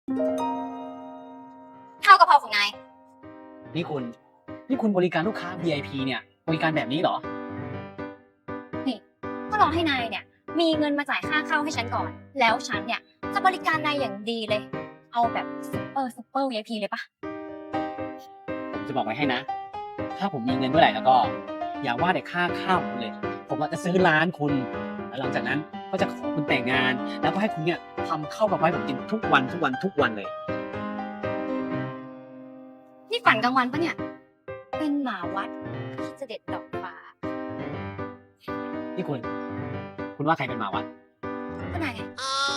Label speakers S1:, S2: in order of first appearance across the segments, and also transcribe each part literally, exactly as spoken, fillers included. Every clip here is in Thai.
S1: ข้าวกะเพราของนาย
S2: นี่คุณ นี่คุณบริการลูกค้า วี ไอ พี เนี่ยบริการแบบนี้เหรอ
S1: นี่ก็รอให้นายเนี่ย มีเงินมาจ่ายค่าข้าวให้ฉันก่อน แล้วฉันเนี่ยจะบริการนายอย่างดีเลย เอาแบบซุปเปอร์ซุปเปอร์ วี ไอ พี เลยปะ
S2: ผมจะบอกไว้ให้นะ ถ้าผมมีเงินเมื่อไหร่แล้วก็ อย่าว่าแต่ค่าข้าวผมเลย ผมอาจจะซื้อร้านคุณ แล้วหลังจากนั้นก็จะขอคุณแต่งงาน แล้วก็ให้คุณเนี่ยทำข้าวกับไว้ผมกินทุกวันทุกวันทุกวันเลย
S1: นี่ฝันกลางวันปะเนี่ย เป็นหมาวัดที่จะเด็ดดอกฟ้า
S2: นี่คุณ คุณว่าใครเป็นหมาวัด
S1: ก็นายไง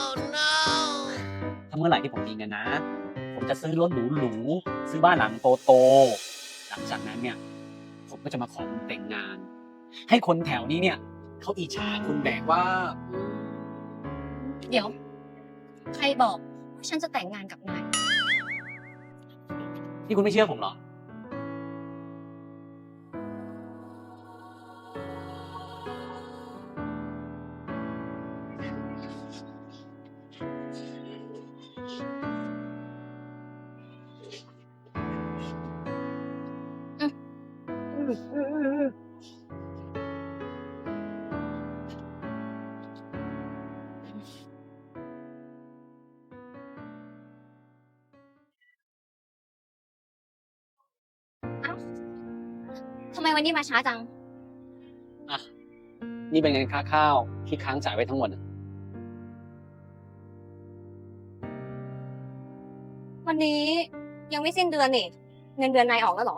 S2: ถ้าเมื่อไหร่ที่ผมมีเงินนะ ผมจะซื้อรถหรูๆ ซื้อบ้านหลังโตๆ หลังจากนั้นเนี่ย ผมก็จะมาขอคุณแต่งงาน ให้คนแถวนี้เนี่ยเขาอิจฉาคุณแบบว่า
S1: เดี๋ยว ใครบอกว่าฉันจะแต่งงานกับนาย
S2: ที่คุณไม่เชื่อผมเหรอ
S1: เอ้าทำไมวันนี้มาช้าจัง
S2: อ่ะ นี่เป็นเงินค่าข้าวที่ค้างจ่ายไว้ทั้งหมดอะ
S1: วันนี้ยังไม่สิ้นเดือนนี่ เงินเดือนนายออกแล้วเหรอ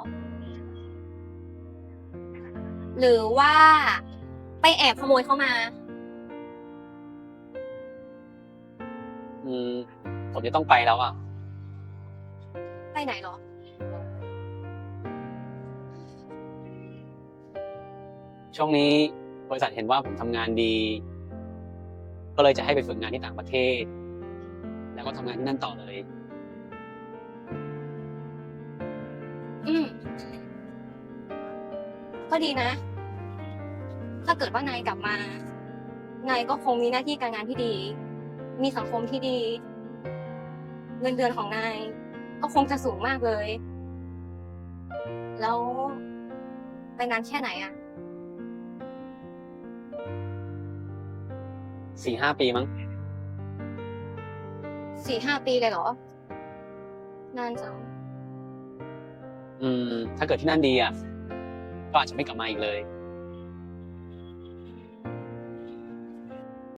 S1: หรือว่าไปแอบขโมยเขามา
S2: อืม ผมจะต้องไปแล้วอ่ะ
S1: ไปไหนเหรอ
S2: ช่วงนี้บริษัทเห็นว่าผมทำงานดี ก็เลยจะให้ไปฝึกงานที่ต่างประเทศ แล้วก็ทำงานที่นั่นต่อเลย
S1: อืม ก็ดีนะ ถ้าเกิดว่านายกลับมา นายก็คงมีหน้าที่การงานที่ดี มีสังคมที่ดี เงินเดือนของนายก็คงจะสูงมากเลย แล้วไปนานแค่ไหนอะ
S2: สี่ห้าปีมั้ง
S1: สี่ห้าปีเลยเหรอ นานจัง
S2: อืม ถ้าเกิดที่นั่นดีอ่ะ ก็อาจจะไม่กลับมาอีกเลย